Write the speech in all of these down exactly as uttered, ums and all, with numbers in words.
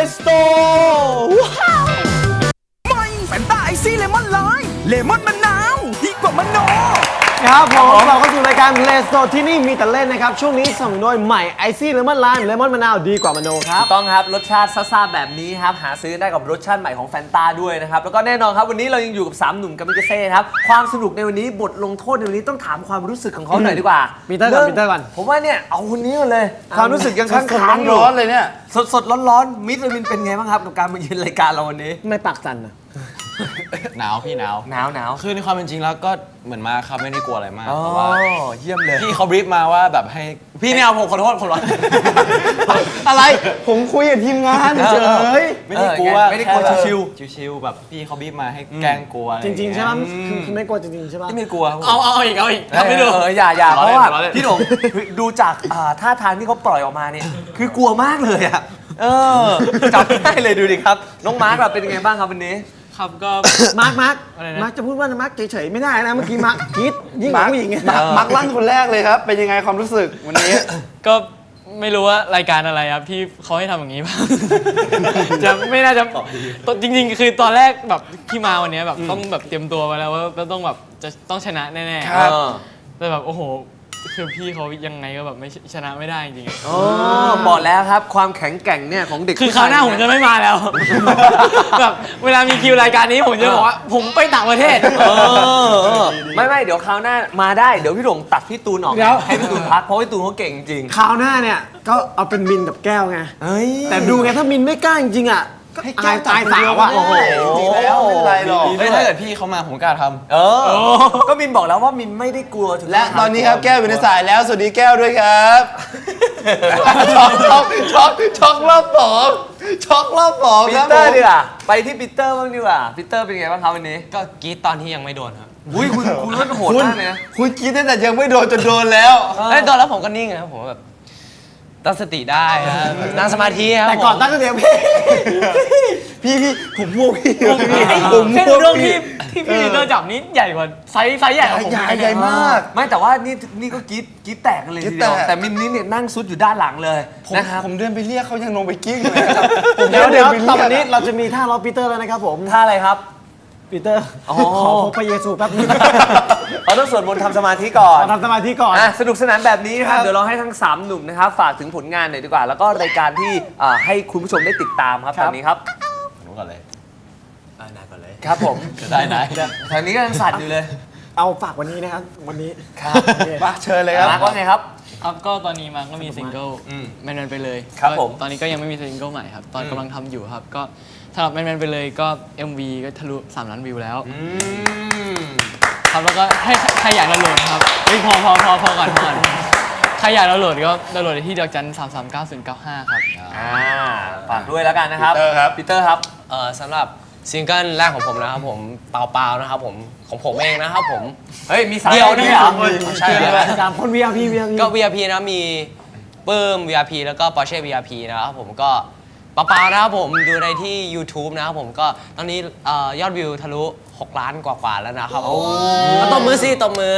สโตว้าวไม่แฟนตาไอซี่เลมอนไลม์เลมอนมะนาวดีกว่ามะนาวครับผมเราเข้าสู่รายการเลสโตที่นี่มีแต่เล่นนะครับช่วงนี้สนับสนุนโดยใหม่ไอซี่เลมอนไลม์เลมอนมะนาวดีกว่ามะนาวครับต้องครับรสชาติซ่าๆแบบนี้ครับหาซื้อได้กับรสชาติใหม่ของแฟนตาด้วยนะครับแล้วก็แน่นอนครับวันนี้เรายังอยู่กับสามหนุ่มกามิกาเซ่ครับความสนุกในวันนี้บทลงโทษในวันนี้ต้องถามความรู้สึกของเขาหน่อยดีกว่าปีเตอร์ก่อนปีเตอร์ก่อนผมว่าเนี่ยเอาคนนี้ก่อนเลยความรู้สึกยังค้างๆอยู่ร้อนเลยเนี่ยสดๆร้อนๆมิสเตอร์มินเป็นไงบ้างครับกับการมาเยือนรายการเราวันนี้ไม่ปากสั่นนะหนาวพี่หนาวหนาวหนาวคือในความเป็นจริงแล้วก็เหมือนมาครับไม่ได้กลัวอะไรมากเพราะว่าเยี่ยมเลยพี่เขาบรีฟมาว่าแบบให้พี่เนี่ยผมขอโทษคนร้อนอะไรผมคุยกับทีมงานเฉยไม่ได้กลัวไม่ได้กลัวชิวๆชิวๆแบบพี่เขาบรีฟมาให้แกล้งกลัวจริงๆใช่ไหมคือไม่กลัวจริงๆใช่ไหมไม่กลัวเอาเอาอีกเอาอีกทำไม่ดูอย่าอย่าเพราะว่าพี่หลงดูจากท่าทางที่เขาปล่อยออกมาเนี่ยคือกลัวมากเลยอ่ะเออจับได้เลยดูดิครับน้องมาร์คแบบเป็นยังไงบ้างครับวันนี้ครับก็มาร์คมาร์คมาร์คจะพูดว่ามาร์คเฉยๆไม่ได้นะเมื่อกี้มาร์คคิดยิ่งกว่าผู้หญิงไงมาร์คลั่นคนแรกเลยครับเป็นยังไงความรู้สึกวันนี้ก็ไม่รู้ว่ารายการอะไรครับที่เขาให้ทำอย่างนี้บ้างจะไม่น่าจะจริงๆคือตอนแรกแบบที่มาวันนี้แบบต้องแบบเตรียมตัวไว้แล้วว่าก็ต้องแบบจะต้องชนะแน่ๆครับแต่แบบโอ้โหคือพี่เขายังไงก็แบบไม่ชนะไม่ได้จริงๆอ๋อบอกแล้วครับความแข็งแกร่งเนี่ยของเด็กคือคราวหน้าผมจะไม่มาแล้วแบบเวลามีคิวรายการนี้ผมจะบอกว่าผมไปต่างประเทศไม่ไม่เดี๋ยวคราวหน้ามาได้เดี๋ยวพี่หลงตัดพี่ตูนออกให้พี่ตูนพักเพราะพี่ตูนเขาเก่งจริงคราวหน้าเนี่ยก็เอาเป็นมินกับแก้วไงแต่ดูไงถ้ามินไม่กล้าจริงๆอ่ะให้ตายตายสาวอ่ะโอ้โหจริงแล้วไม่เป็นไรหรอกถ้าเกิดพี่เขามาผมกล้าทำเออก็มินบอกแล้วว่ามินไม่ได้กลัวถึงและตอนนี้ครับแก้วอยู่ในสายแล้วสวัสดีแก้วด้วยครับช็อกช็อกช็อกช็อกรอบสองช็อกรอบสองปีเตอร์ดีกว่าไปที่ปีเตอร์บ้างดีกว่าปีเตอร์เป็นไงบ้างครับวันนี้ก็กรี๊ดตอนที่ยังไม่โดนครับอุ้ยคุณคุณรถโหดมากเลยนะคุณกรี๊ดตั้งแต่ยังไม่โดนจนโดนแล้วไอ้โดนแล้วผมก็นิ่งครับผมแบบตั้งสติได้ครับนั่งสมาธิครับแต่ก่อนตั้งสติพี่พี่พี่ผมม่วงพี่ผมม่วงเรื่องที่ที่พี่ลีเดอร์จับนี้ใหญ่กว่าไซส์ไซส์ใหญ่กว่าผมใหญ่ใหญ่มากไม่แต่ว่านี่นี่ก็กรี๊ดกรี๊ดแตกกันเลยทีเดียวแต่มินนี่เนี่ยนั่งซุดอยู่ด้านหลังเลยนะครับผมเดินไปเรียกเขายังลงไปกิ้งเลยครับเดี๋ยวเดี๋ยวตอนนี้เราจะมีท่าล้อปีเตอร์แล้วนะครับผมท่าอะไรครับปีเตอร์ขอพบพระเยซูแป๊บนึงเราต้องสวดมนต์ทำสมาธิก่อนทำสมาธิก่อนสนุกสนานแบบนี้นะครับเดี๋ยวเราให้ทั้งสามหนุ่มนะครับฝากถึงผลงานหน่อยดีกว่าแล้วก็รายการที่ให้คุณผู้ชมได้ติดตามครับตอนนี้ครับรู้ก่อนเลยได้นายก่อนเลยครับผมได้นายทางนี้ก็ยังสั่นอยู่เลยเอาฝากวันนี้นะครับวันนี้ครับมาเชิญเลยครับว่าไงครับครับก็ตอนนี้มาก็มีซิงเกิลแมนๆไปเลยครับผมตอนนี้ก็ยังไม่มีซิงเกิลใหม่ครับตอนกำลังทำอยู่ครับก็สำหรับแมนๆไปเลยก็ เอ็ม วี ก็ทะลุสามล้านวิวแล้วครับแล้วก็ให้ใครอยากดาวน์โหลดครับเฮ้ยพอพอพอพอก่อนพอก่อนใครอยากดาวน์โหลดก็ดาวน์โหลดได้ที่ดอกจันสามสามเก้าศูนย์เก้าห้าครับอ่าฝากด้วยแล้วกันนะครับปีเตอร์ครับปีเตอร์ครับเอ่อสำหรับซิงเกิลแรกของผมนะครับผมเปล่าๆนะครับผมของผมเองนะครับผมเฮ้ยมีสายเดียวด้วยเหรอใช่ครับสามคน วี อาร์ พี วี อาร์ พีก็ วี อาร์ พี นะมีปื้ม วี อาร์ พี แล้วก็ Porsche วี อาร์ พี นะครับผมก็เปล่าๆนะครับผมดูในที่ YouTube นะครับผมก็ตอนนี้ยอดวิวทะลุหกล้านกว่าๆแล้วนะครับตบมือสิตบมือ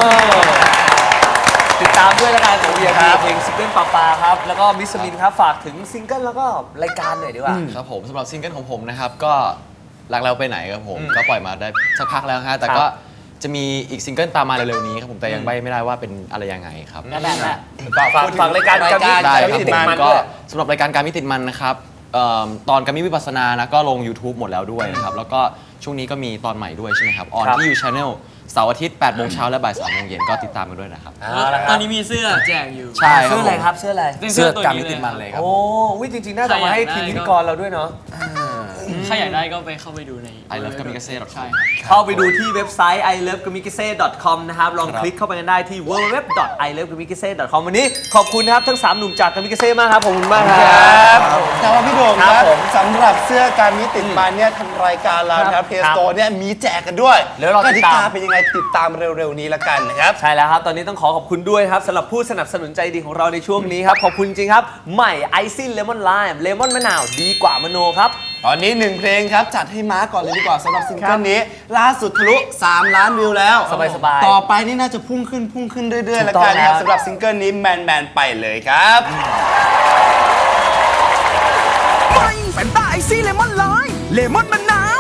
ติดตามด้วยแล้วกันของ วี อาร์ พี เพลงซิงเกิลปาปาครับแล้วก็มิสมินครับฝากถึงซิงเกิลแล้วก็รายการหน่อยดีกว่าครับผมสำหรับซิงเกิลของผมนะครับก็รักแล้วไปไหนครับผมก็ปล่อยมาได้สักพักแล้วฮะแต่ก็จะมีอีกซิงเกิลตามมาเร็วๆนี้ครับผมแต่ยังไม่ได้ว่าเป็นอะไรยังไงครับนั่นแหละฝากฝากรายการการมิติมันก็สำหรับรายการการมิติมันนะครับตอนการมิวิปัสสนานะก็ลง YouTube หมดแล้วด้วยนะครับแล้วก็ช่วงนี้ก็มีตอนใหม่ด้วยใช่ไหมครับออนที่ You Channel เสาร์อาทิตย์แปดโมงเช้าและบ่ายสามโมงเย็นก็ติดตามกันด้วยนะครับตอนนี้มีเสื้อแจกอยู่ใช่เสื้ออะไรครับเสื้ออะไรเสื้อการมิติมันเลยครับโอ้วิจริงๆน่าจะมาให้ทีมพิธีกรเราด้วยเนาะใครอยากได้ก็ไปเข้าไปดูในไอ เลิฟ กามิกาเซ่ ดอท คอมเข้าไปดูที่เว็บไซต์ ไอ เลิฟ กามิกาเซ่ ดอท คอม นะครับลองคลิกเข้าไปกันได้ที่ ดับเบิลยู ดับเบิลยู ดับเบิลยู ดอท ไอ เลิฟ กามิกาเซ่ ดอท คอม วันนี้ขอบคุณนะครับทั้งสามหนุ่มจากกามิกาเซ่มากครับขอบคุณมากครับแต่ว่าพี่โด่งครับสำหรับเสื้อการมิติมันเนี่ยทางรายการเราครับเพจโตเนี่ยมีแจกกันด้วยกติกาเป็นยังไงติดตามเร็วๆนี้ละกันนะครับใช่แล้วครับตอนนี้ต้องขอขอบคุณด้วยครับสำหรับผู้สนับสนุนใจดีของเราในช่วงนี้ครับขอบคุณจริงครับใหม่ไอซิ่เลมอนไลม์เลมอนมะนาวดีกว่ามโนครับตอนนี้หนึ่งเพลงครับจัดให้ม้าก่อนเลยดีกว่าสำหรับซิงเกิลนี้ล่าสุดทะลุสามล้านวิวแล้วสบายๆต่อไปนี่น่าจะพุ่งขึ้นพุ่งขึ้นเรื่อยๆแล้วกันครับสำหรับซิงเกิลนี้แมนแมนไปเลยครับซี่เลมอนไลม์เลมอนมะนาว